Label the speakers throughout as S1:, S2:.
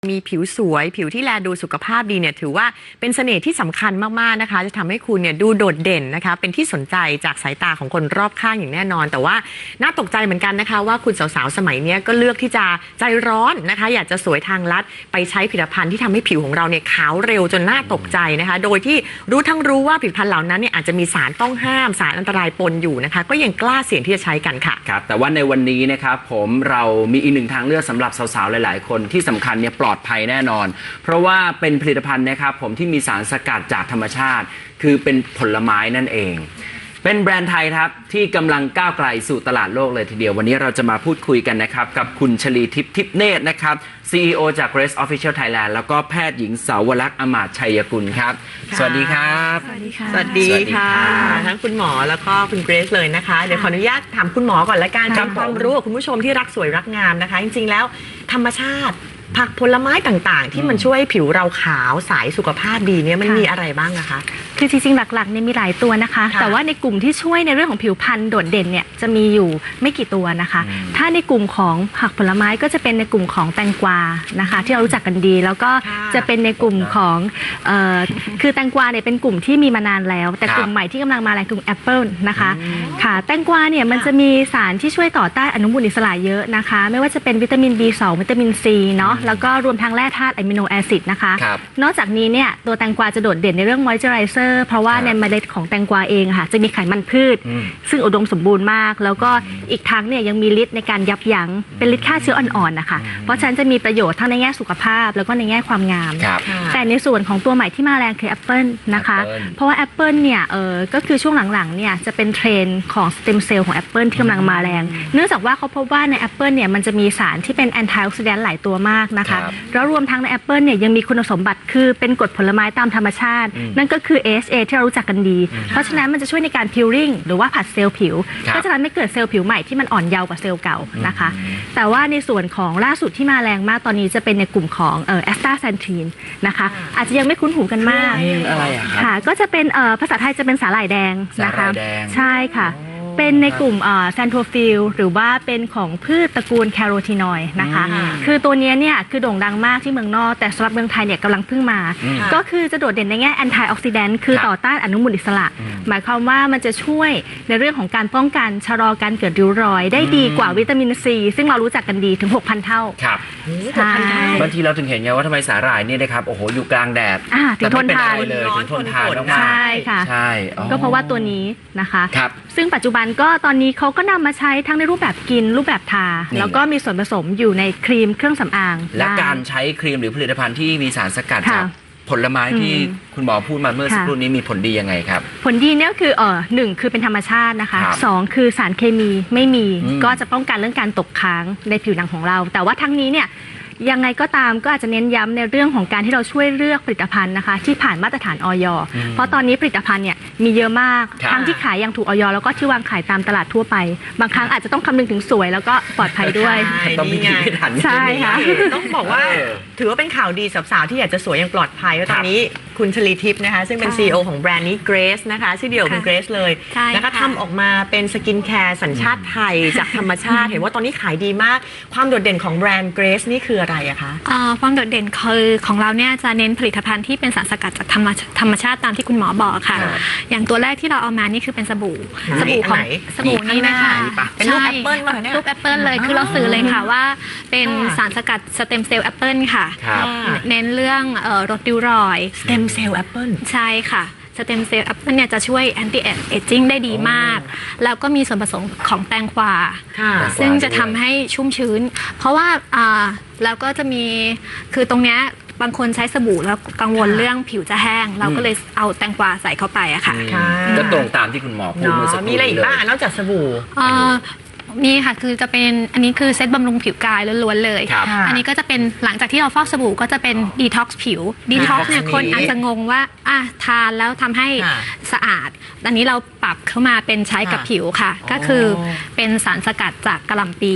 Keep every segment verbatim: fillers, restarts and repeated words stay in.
S1: มีผิวสวยผิวที่แลดูสุขภาพดีเนี่ยถือว่าเป็นเสน่ห์ที่สำคัญมากๆนะคะจะทำให้คุณเนี่ยดูโดดเด่นนะคะเป็นที่สนใจจากสายตาของคนรอบข้างอย่างแน่นอนแต่ว่าน่าตกใจเหมือนกันนะคะว่าคุณสาวๆสมัยนี้ก็เลือกที่จะใจร้อนนะคะอยากจะสวยทางลัดไปใช้ผลิตภัณฑ์ที่ทำให้ผิวของเราเนี่ยขาวเร็วจนน่าตกใจนะคะโดยที่รู้ทั้งรู้ว่าผลิตภัณฑ์เหล่านั้นเนี่ยอาจจะมีสารต้องห้ามสารอันตรายปนอยู่นะคะก็ยังกล้าเสี่ยงที่จะใช้กันค่ะ
S2: ครับแต่ว่าในวันนี้นะครับผมเรามีอีกหนึ่งทางเลือกสำหรับสาวๆหลายๆคนที่สำคัญเนี่ยปลอดภัยแน่นอนเพราะว่าเป็นผลิตภัณฑ์นะครับผมที่มีสารสกัดจากธรรมชาติคือเป็นผลไม้นั่นเองเป็นแบรนด์ไทยครับที่กำลังก้าวไกลสู่ตลาดโลกเลยทีเดียววันนี้เราจะมาพูดคุยกันนะครับกับคุณชลีทิพย์ทิพย์เนตรนะครับ ซี อี โอ จาก Grace Official Thailand แล้วก็แพทย์หญิงสาวรักษ์อมาตย์ชัยกุลครับสวัสดีครับ
S1: สวัสดีค่ะสวัสดีค่ะทั้งคุณหมอแล้วก็คุณเกรซเลยนะคะเดี๋ยวขออนุญาตถามคุณหมอก่อนละกันเป็นความรู้กับคุณผู้ชมที่รักสวยรักงามนะคะจริงๆแล้วธรรมชาติผักผลไม้ต่างๆที่มันช่วยผิวเราขาวใสสุขภาพดีเนี่ยมันมีอะไรบ้างนะคะ
S3: คือจริงๆหลักๆเนี่ยมีหลายตัวนะคะแต่ว่าในกลุ่มที่ช่วยในเรื่องของผิวพรรณโดดเด่นเนี่ยจะมีอยู่ไม่กี่ตัวนะคะถ้าในกลุ่มของผักผลไม้ก็จะเป็นในกลุ่มของแตงกวานะคะที่เรารู้จักกันดีแล้วก็จะเป็นในกลุ่มของเอ่อคือแตงกวาเนี่ยเป็นกลุ่มที่มีมานานแล้วแต่กลุ่มใหม่ที่กำลังมาแรงกลุ่มแอปเปิลนะคะค่ะแตงกวาเนี่ยมันจะมีสารที่ช่วยต่อต้านอนุมูลอิสระเยอะนะคะไม่ว่าจะเป็นวิตามิน บี สอง วิตามิน ซี เนาะแล้วก็รวมทั้งแร่ธาตุอะมิโนแอซิดนะคะนอกจากนี้เนี่ยตัวแตงกวาจะโดดเด่นในเรื่องมอยเจอไรเซอร์เพราะว่าในเมล็ดของแตงกวาเองค่ะจะมีไขมันพืชซึ่งอุดมสมบูรณ์มากแล้วก็อีกทั้งเนี่ยยังมีฤทธิ์ในการยับยั้งเป็นฤทธิ์ฆ่าเชื้ออ่อนๆนะคะเพราะฉะนั้นจะมีประโยชน์ทั้งในแง่สุขภาพแล้วก็ในแง่ความงามแต่ในส่วนของตัวใหม่ที่มาแรงคือแอปเปิลนะคะเพราะว่าแอปเปิลเนี่ยเออก็คือช่วงหลังๆเนี่ยจะเป็นเทรนด์ของสเต็มเซลล์ของแอปเปิลที่กำลังมาแรงเนื่องจากว่าเขาพบว่าในแอปเปิลเนี่ยมันจะมีสารที่เป็นแอนตี้ออกซิแดนต์หลายตัวมากนะคะแล้วรวมทั้งในแอปเปิลเนี่ยยังมีคุณสมบัติคือเป็นกรดผลไม้ตามธรรมชาตินั่นก็คือ เอ เอช เอ ที่เรารู้จักกันดีเพราะฉะนั้นมันจะช่วยในการพิลลิ่งหรือว่าผัดเซลล์ผิวก็จะทำให้เกิดเซลล์ผิวใหม่ที่มันอ่อนเยาว์กว่าเซลล์เก่านะคะแต่ว่าในส่วนของล่าสุดที่มาแรงมากตอนนี้จะเป็นในกลุ่มของเอ่อแอสตาแซนทีนนะคะอาจจะยังไม่คุ้นหูกันมาก
S2: อะไรอะครับ
S3: ค่ะก็จะเป็นเอ่อภาษาไทยจะเป็นสาหร่ายแดงนะคะใช่ค่ะเป็นในกลุ่มแซนโทฟิลหรือว่าเป็นของพืชตระกูลแคโรทีนอยด์นะคะคือตัวนี้เนี่ยคือโด่งดังมากที่เมืองนอกแต่สำหรับเมืองไทยเนี่ยกำลังเพิ่งมาก็คือจะโดดเด่นในแง่แอนตี้ออกซิแดนต์คือต่อต้านอนุมูลอิสระหมายความว่ามันจะช่วยในเรื่องของการป้องกันชะลอการเกิดริ้วรอยได้ดีกว่าวิตามินซีซึ่งเรารู้จักกันดีถึง หกพัน เท่า
S2: ครับ
S3: ใช่
S2: บางทีเราถึงเห็นไงว่าทำไมสาหร่ายเนี่ยนะครับโอ้โหอยู่กลางแดด
S3: ถึงทนทาน
S2: เลยถึงทนทานมาก
S3: ใช่ค่ะ
S2: ใช่
S3: ก็เพราะว่าตัวนี้นะคะซึ่งปัจจุบันก็ตอนนี้เขาก็นำมาใช้ทั้งในรูปแบบกินรูปแบบทาแล้วก็มีส่วนผสมอยู่ในครีมเครื่องสำอาง
S2: และการใช้ครีมหรือผลิตภัณฑ์ที่มีสารสกัดจากผลไม้ที่คุณหมอพูดมาเมื่อสักครู่นี้มีผลดียังไงครับ
S3: ผลดีเนี่ยคือเออหนึ่งคือเป็นธรรมชาตินะคะสองคือสารเคมีไม่มีก็จะป้องกันเรื่องการตกค้างในผิวหนังของเราแต่ว่าทั้งนี้เนี่ยยังไงก็ตามก็อาจจะเน้นย้ำในเรื่องของการที่เราช่วยเลือกผลิตภัณฑ์นะคะที่ผ่านมาตรฐานอย.เพราะตอนนี้ผลิตภัณฑ์เนี่ยมีเยอะมากทั้งที่ขายอย่างถูกอย.แล้วก็ที่วางขายตามตลาดทั่วไปบางครั้งอาจจะต้องคำนึงถึงสวยแล้วก็ปลอดภัยด้วย
S2: ต้องมีพิถัน
S3: ใช่ค่ะ
S1: ต้องบอกว่าถือว่าเป็นข่าวดีสาวๆที่อยากจะสวยอย่างปลอดภัยว่าตอนนี้คุณชลีทิพย์นะคะซึ่งเป็น ซี อี โอ ของแบรนด์นี้ Grace นะคะชื่อเดียวคุณ Grace เลยนะคะทำออกมาเป็นสกินแคร์สัญชาติไทยจากธรรมชาติเห็นว่าตอนนี้ขายดีมากความโดดเด่นของแบรนด์ Grace นี่คืออะไรอะคะ
S4: ความโดดเด่นคือของเราเนี่ยจะเน้นผลิตภัณฑ์ที่เป็นสารสกัดจากธรรมธรรมชาติตามที่คุณหมอบอกค่ะอย่างตัวแรกที่เราเอามานี่คือเป็นสบู่สบู่ของสบู่นี้นะคะ
S1: เป็นรูปแอปเปิลมาเนี่ย
S4: รูปแอปเปิลเลยคือเราสื่อเลยค่ะว่าเป็นสารสกัดสเต็มเซลล์แอปเปิลค่ะเน้นเรื่องลดริ้วรอย
S1: สเต็มเซลล์แอปเปิล
S4: ใช่ค่ะสเต็มเซลล์แอปเปิลเนี่ยจะช่วยแอนตี้เอจจิ้งได้ดีมากแล้วก็มีส่วนผสมของแตงกวาซึ่งจะทำให้ชุ่มชื้นเพราะว่าแล้วก็จะมีคือตรงเนี้ยบางคนใช้สบู่แล้วกังวลเรื่องผิวจะแห้งเราก็เลยเอาแตงกวาใส่เข้าไปอะค่ะ
S2: ก็ตรงตามที่คุณหมอพูดเมื่อสักครู่
S1: มีอะไรอีกบ้างนอกจากสบู่
S4: นี่ค่ะคือจะเป็นอันนี้คือเซตบำรุงผิวกายล้วนๆเลยอันนี้ก็จะเป็นหลังจากที่เราฟอกสบู่ก็จะเป็นดีท็อกซ์ผิวดีท็อกซ์เนี่ยคนอาจจะงงว่าอ่ะทานแล้วทำให้สะอาดอันนี้เราปรับเข้ามาเป็นใช้กับผิวค่ะก็คือเป็นสารสกัดจากกะหล่ำปี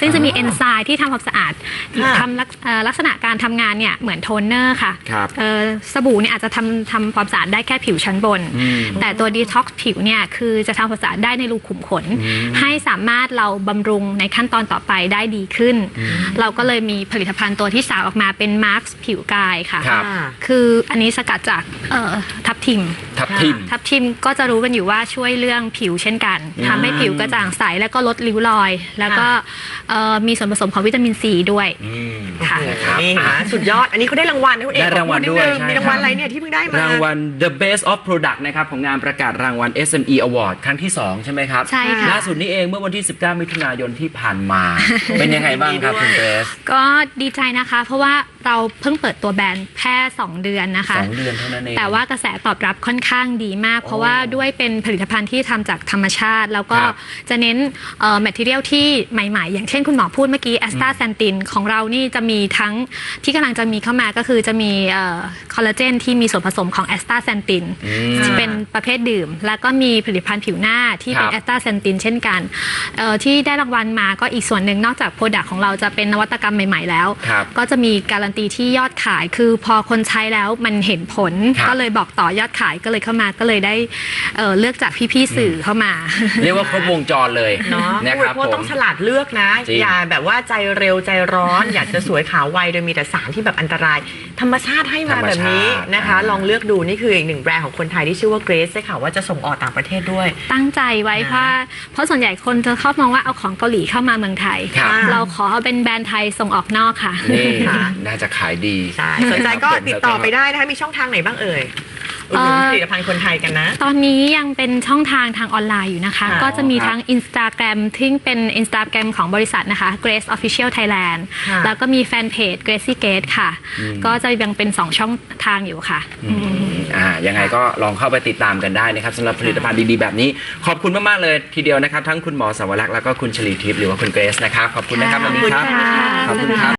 S4: ซึ่งจะมีเอนไซม์ที่ทำความสะอาด
S1: ค่ะ
S4: ทำลักเอ่อลักษณะการทำงานเนี่ยเหมือนโทนเนอร์ค่ะ
S2: ครับ
S4: เอ่อสบู่เนี่ยอาจจะทำทำความสะอาดได้แค่ผิวชั้นบน
S2: อืม
S4: แต่ตัวดีท็อกซ์ผิวเนี่ยคือจะทำความสะอาดได้ในรูขุมขน ให้สามารถเราบำรุงในขั้นตอนต่อไปได้ดีขึ้น เราก็เลยมีผลิตภัณฑ์ตัวที่สามออกมาเป็นมาร์คผิวกายค่ะ
S2: ครับ
S4: คืออันนี้สกัดจากเอ่อทับทิม
S2: ทับทิม
S4: ทับทิมก็จะรู้กันอยู่ว่าช่วยเรื่องผิวเช่นกันทำให้ผิวกระจ่างใสแล้วก็ลดริ้วรอย แล้วก็เอ่อมีส่วนผสมของวิตามินซีด้วย
S2: อืม
S4: ค่ะ
S2: นะครับ
S1: นี่นะสุดยอด อันนี้เขาได้รางวัลนะคุณเอก
S2: ได้รางวัล
S1: ขอพู
S2: ด้วย
S1: นินึง
S2: ใช่
S1: มีรางวัล
S2: ครับ
S1: อะไรเนี่ยที่เพิ่งได้มาร
S2: างวัล The Best of Product นะครับของงานประกาศรางวัล เอส เอ็ม อี Award ครั้งที่ สอง ใช่ไหมครับ
S4: ใช่ค่ะ
S2: ล่าสุดนี้เองเมื่อวันที่ สิบเก้า มิถุนายนที่ผ่านมา เป็นยังไงบ้างครับคุณเกรซ
S4: ก็ดีใจนะคะ เพราะว่าเราเพิ่งเปิดตัวแบรนด์แค่สองเดือนนะคะ
S2: สองเดือนเท่านั้นเอง
S4: แต่ว่ากระแสตอบรับค่อนข้างดีมาก เพราะว่าด้วยเป็นผลิตภัณฑ์ที่ทำจากธรรมชาติ แล้วก็
S2: ครับ
S4: จะเน้นเอ่อแมทเทียลที่ใหม่ๆ อย่างเช่นคุณหมอพูดเมื่อกี้แอสตาแซนตินของเรานี่จะมีทั้งที่กำลังจะมีเข้ามาก็คือจะมีคอลลาเจนที่มีส่วนผสมของแอสตาแซนติน
S2: อืม
S4: ที่เป็นประเภทดื่ม แล้วก็มีผลิตภัณฑ์ผิวหน้าที่เป็น
S2: ครับ
S4: แอสตาแซนตินเช่นกันเอ่อที่ได้รางวัลมาก็อีกส่วนหนึ่งนอกจากโปรดักต์ของเราจะเป็นนวัตกรรมใหม่ๆแล้ว
S2: ครับ
S4: ก็จะมีการันตีที่ยอดขายคือพอคนใช้แล้วมันเห็นผล
S2: ครับ
S4: ก็เลยบอกต่อยอดขายก็เลยเข้ามาก็เลยได้เอ่อเลือกจากพี่ๆสื่อเข้ามา
S2: เรียกว่าครบวงจรเลย
S1: เนาะ
S2: นะ
S1: ผู้
S2: ค
S1: บ
S2: รับ
S1: ริโภค
S2: ผม
S1: ต้องฉลาดเลือกนะ
S2: จริง
S1: อย่าแบบว่าใจเร็วใจร้อน อยากจะสวยขาวไวโดยมีแต่สารที่แบบอันตราย ธรรมชาติให้มาแบบนี้นะคะ ลองเลือกดูนี่คืออีกหนึ่งแบรนด์ของคนไทยที่ชื่อว่าเกรซได้ข่าวว่าจะส่งออกต่างประเทศด้วย
S4: ตั้งใจไว้เพราะเพราะส่วนใหญ่คนจะชอบมองว่าเอาของเกาหลีเข้ามาเมืองไทย
S2: ครับ
S4: เราขอเอาเป็นแบรนด์ไทยส่งออกนอกค่ะ
S2: นี่
S1: ค่ะ
S2: น่าจะขายดี
S1: ใช่สนใจก็
S2: ครับผม
S1: ติดต่อไปได้นะคะมีช่องทางไหนบ้างเอ่ยอุดหนุนผลิตภัณฑ์คนไทยกันนะ
S4: ตอนนี้ยังเป็นช่องทางทางออนไลน์อยู่นะคะ
S1: ค่ะ
S4: ก็จะมีทั้ง Instagram ที่เป็น Instagram ของบริษัทนะคะ Grace Official Thailand
S1: ค่ะ
S4: แล้วก็มีแฟนเพจ Gracie Gate ค่ะ ก็จะยังเป็นสองช่องทางอยู่ค่ะ
S2: อ่ายังไงก็ลองเข้าไปติดตามกันได้นะครับสำหรับผลิตภัณฑ์ดีๆแบบนี้ ขอบคุณมากๆเลยทีเดียวนะครับ ทั้งคุณหมอสาวรักษ์แล้วก็คุณชลีทิพย์หรือว่าคุณเกรซนะครับ ขอบคุณนะครับวันนี้ครับ
S1: ขอบคุณค่ะ
S2: ขอบคุณครับ